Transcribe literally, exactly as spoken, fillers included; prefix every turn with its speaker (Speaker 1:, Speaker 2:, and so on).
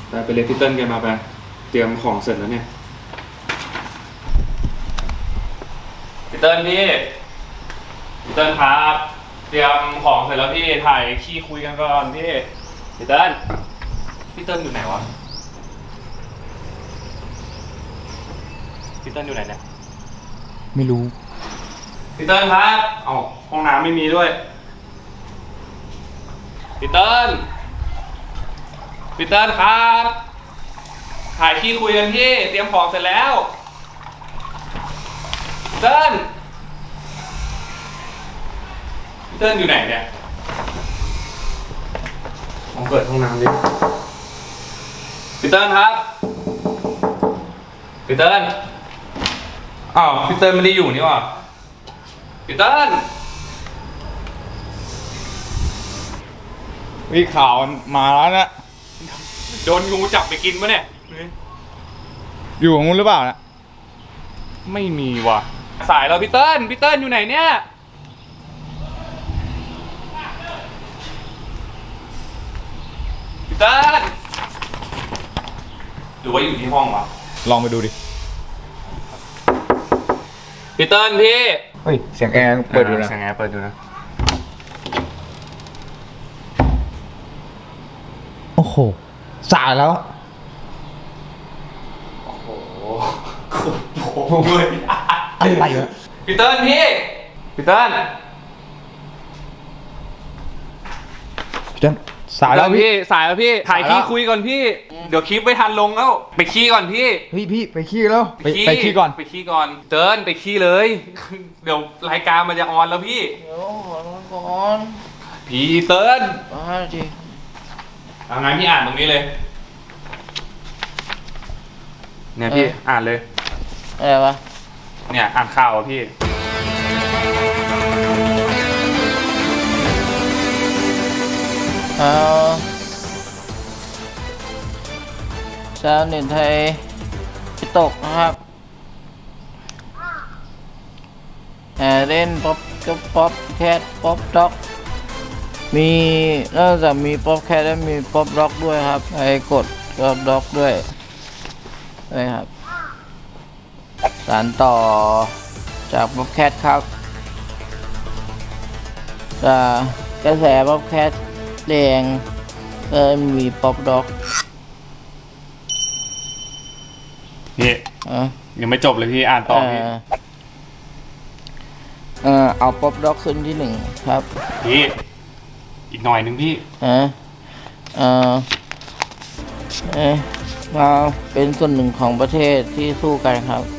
Speaker 1: ไปไปเรียกพี่เติ้ลแกมาไปเตรียมของเสร็จแล้วเนี่ยพี่เติ้ลพี่พี่เติ้ลครับเตรียมของเสร็จแล้วพี่ถ่ายขี้คุยกันก่อนพี่พี่เติ้ลพี่เติ้ลอยู่ไหนวะพี่เติ้ลอยู่ไหนเนี่ย
Speaker 2: ไม่รู้
Speaker 1: พี่เติ้ลครับอ๋อห้องน้ำไม่มีด้วยพี่เติ้ลพี่เติ้ลครับถ่ายขี้คุยกันพี่เตรียมของเสร็จแล้วพี่เติ้ลพี่เติ้ลอยู่ไหนเนี่ยผมเปิดห้องน้ำดิพี่เติ้ลครับพี่เติ้ลอ้าวพี่เติ้ลไม่ได้อยู่นี่หว่าพี่เติ้ล
Speaker 2: วิข่าวมาแล้วนะ
Speaker 1: โดนงูจับไปกินปะเนี่ย
Speaker 2: อยู่ของมึงหรือเปล่านะ
Speaker 1: ไม่มีว่ะสายเราพี่เติ้ลพี่เติ้ลอยู่ไหนเนี่ยพี่เติ้ลหรือว่าอยู่ที่ห้องวะ
Speaker 2: ลองไปดูดิ
Speaker 1: พี่เติ้ลพี่
Speaker 2: เฮ้ยเสียงแอร์เปิดอยู่นะ
Speaker 1: เสียงแอร์เปิดอยู่นะ
Speaker 2: โอ้โหสายแล้ว
Speaker 1: โอ้โหโอ้โหเลย
Speaker 2: อะไรวะ
Speaker 1: พี่เติ้ลพี่พี่เติ้ล
Speaker 2: พี่เติ้ลสายแล้วพี่
Speaker 1: สายแล้วพี่ถ่ายขี้คุยก่อนพี่เดี๋ยวคลิปไม่ทันลงแล้วไปขี้ก่อนพี่
Speaker 2: เฮ้ยพี่ไปขี้แล้วไปไปขี้ก่อน
Speaker 1: ไปขี้ก่อนเติ้ลไปขี้เลยเดี๋ยวรายการมันจะออนแล้วพี่
Speaker 3: เดี๋ยวขอนอนก่อน
Speaker 1: พี่เติ้ล
Speaker 3: อ่าจริง
Speaker 1: เอางั้นพี่อ่านตรงนี้เลยเนี่ยพี่อ่านเลย
Speaker 3: อะไรวะ
Speaker 1: เนี่ยอ่านข่าวอ่ะพี่
Speaker 3: เอาชาวเน็ตไทยตกนะครับแห่เล่นป๊อปกับป๊อปแคทป๊อปด็อกมีนอกจากมีป๊อปแคทแล้วมีป๊อปด็อกด้วยครับไปกดป๊อปด็อกด้วยด้วยครับสานต่อจากป๊อปแคทครับจากกระแสป๊อปแคทแดงก็มีป๊อปด็อก
Speaker 1: พี่ยังไม่จบเลยพี่อ่านต่อพี่
Speaker 3: เออเอาป๊อปด็อกขึ้นที่หนึ่งครับ
Speaker 1: พี่อีกหน่อยนึงพี่
Speaker 3: เออเออเออมาเป็นส่วนหนึ่งของประเทศที่สู้กันครับ